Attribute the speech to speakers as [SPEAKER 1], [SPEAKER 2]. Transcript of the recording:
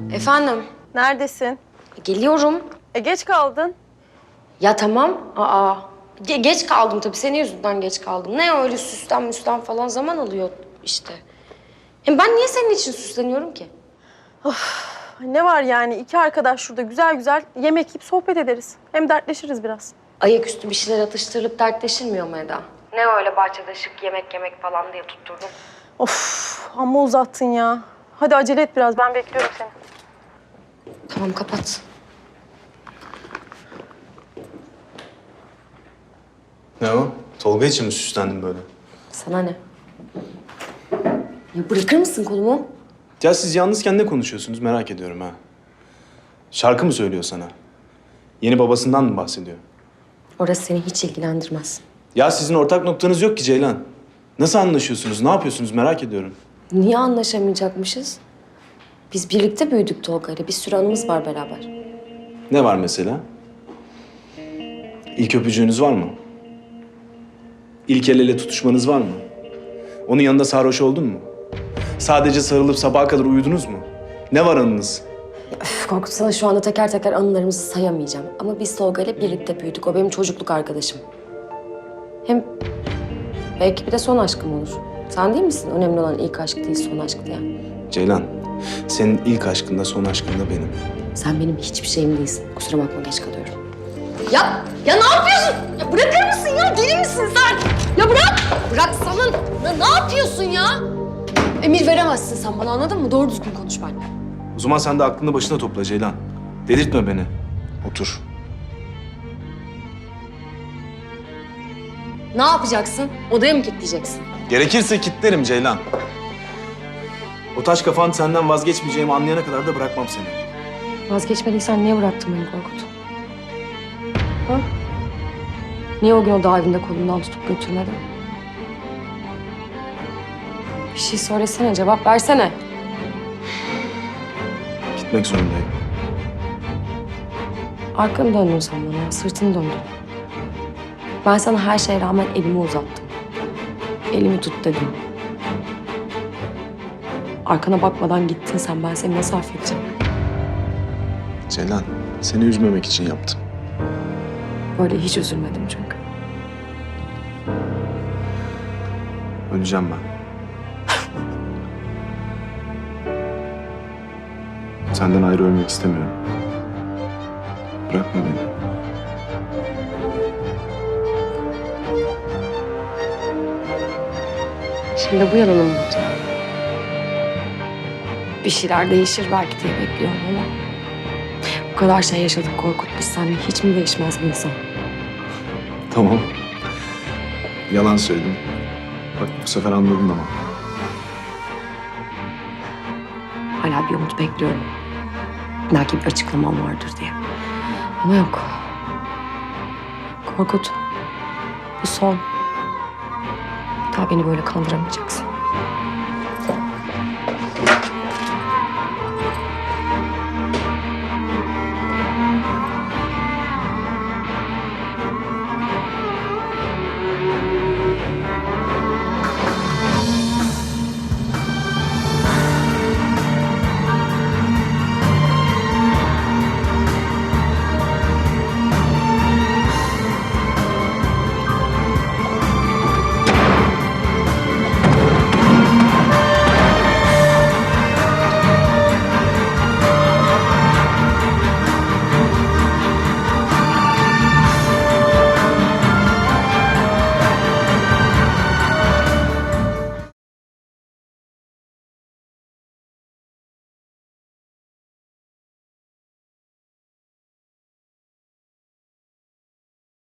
[SPEAKER 1] Efendim?
[SPEAKER 2] Neredesin?
[SPEAKER 1] Geliyorum.
[SPEAKER 2] Geç kaldın.
[SPEAKER 1] Ya tamam. Geç kaldım tabii. Senin yüzünden geç kaldım. Ne öyle süslen falan zaman alıyor işte. Hem ben niye senin için süsleniyorum ki?
[SPEAKER 2] Ne var yani? İki arkadaş şurada güzel güzel yemek yiyip sohbet ederiz. Hem dertleşiriz biraz.
[SPEAKER 1] Ayaküstü bir şeyler atıştırılıp dertleşilmiyor mu Eda? Ne öyle bahçede şık yemek falan diye tutturdum.
[SPEAKER 2] Of, amma uzattın ya. Hadi acele et biraz. Ben bekliyorum seni.
[SPEAKER 1] Tamam kapat.
[SPEAKER 3] Ne o? Tolga için mi süslendin böyle?
[SPEAKER 1] Sana ne? Ya bırakır mısın kolumu?
[SPEAKER 3] Ya siz yalnızken ne konuşuyorsunuz merak ediyorum ha. Şarkı mı söylüyor sana? Yeni babasından mı bahsediyor?
[SPEAKER 1] Orası seni hiç ilgilendirmez.
[SPEAKER 3] Ya sizin ortak noktanız yok ki Ceylan. Nasıl anlaşıyorsunuz, ne yapıyorsunuz merak ediyorum.
[SPEAKER 1] Niye anlaşamayacakmışız? Biz birlikte büyüdük Tolga'yla. Bir sürü anımız var beraber.
[SPEAKER 3] Ne var mesela? İlk öpücüğünüz var mı? İlk el ele tutuşmanız var mı? Onun yanında sarhoş oldun mu? Sadece sarılıp sabaha kadar uyudunuz mu? Ne var anınız?
[SPEAKER 1] Üf, Korkut, sana şu anda teker teker anılarımızı sayamayacağım. Ama biz Tolga'yla birlikte büyüdük. O benim çocukluk arkadaşım. Hem belki bir de son aşkım olur. Sen değil misin? Önemli olan ilk aşk değil, son aşk diye.
[SPEAKER 3] Ceylan, senin ilk aşkın da son aşkın da benim.
[SPEAKER 1] Sen benim hiçbir şeyim değilsin. Kusura bakma, geç kalıyorum. Ya ne yapıyorsun? Ya bırakır mısın ya? Deli misin sen? Ya bırak! Bırak sana! Ya ne yapıyorsun ya? Emir veremezsin sen bana, anladın mı? Doğru düzgün konuş benimle.
[SPEAKER 3] O zaman sen de aklını başına topla Ceylan. Delirtme beni. Otur.
[SPEAKER 1] Ne yapacaksın? Odaya mı kilitleyeceksin?
[SPEAKER 3] Gerekirse kilitlerim Ceylan. O taş kafan senden vazgeçmeyeceğimi anlayana kadar da bırakmam seni.
[SPEAKER 1] Vazgeçmediysen niye bıraktın beni Korkut? Ha? Niye o gün o dağ evinde kolumdan tutup götürmedin? Bir şey söylesene, cevap versene.
[SPEAKER 3] Gitmek zorundayım.
[SPEAKER 1] Arkanı döndün sen bana, sırtını döndün. Ben sana her şeye rağmen elimi uzattım. Elimi tut dedim. Arkana bakmadan gittin sen, ben seni nasıl affedeceğim?
[SPEAKER 3] Ceylan, seni üzmemek için yaptım.
[SPEAKER 1] Böyle hiç üzülmedim çünkü.
[SPEAKER 3] Öleceğim ben. Senden ayrı ölmek istemiyorum. Bırakma beni.
[SPEAKER 1] Şimdi bu yalanı mı bulacağım? Bir şeyler değişir belki diye bekliyorum ama... Bu kadar şey yaşadık Korkut, biz seninle hiç mi değişmez bir insan?
[SPEAKER 3] Tamam. Yalan söyledim. Bak bu sefer anladın ama.
[SPEAKER 1] Hala bir umut bekliyorum. Belki bir açıklamam vardır diye. Ama yok. Korkut, bu son. Bir daha beni böyle kandıramayacaksın.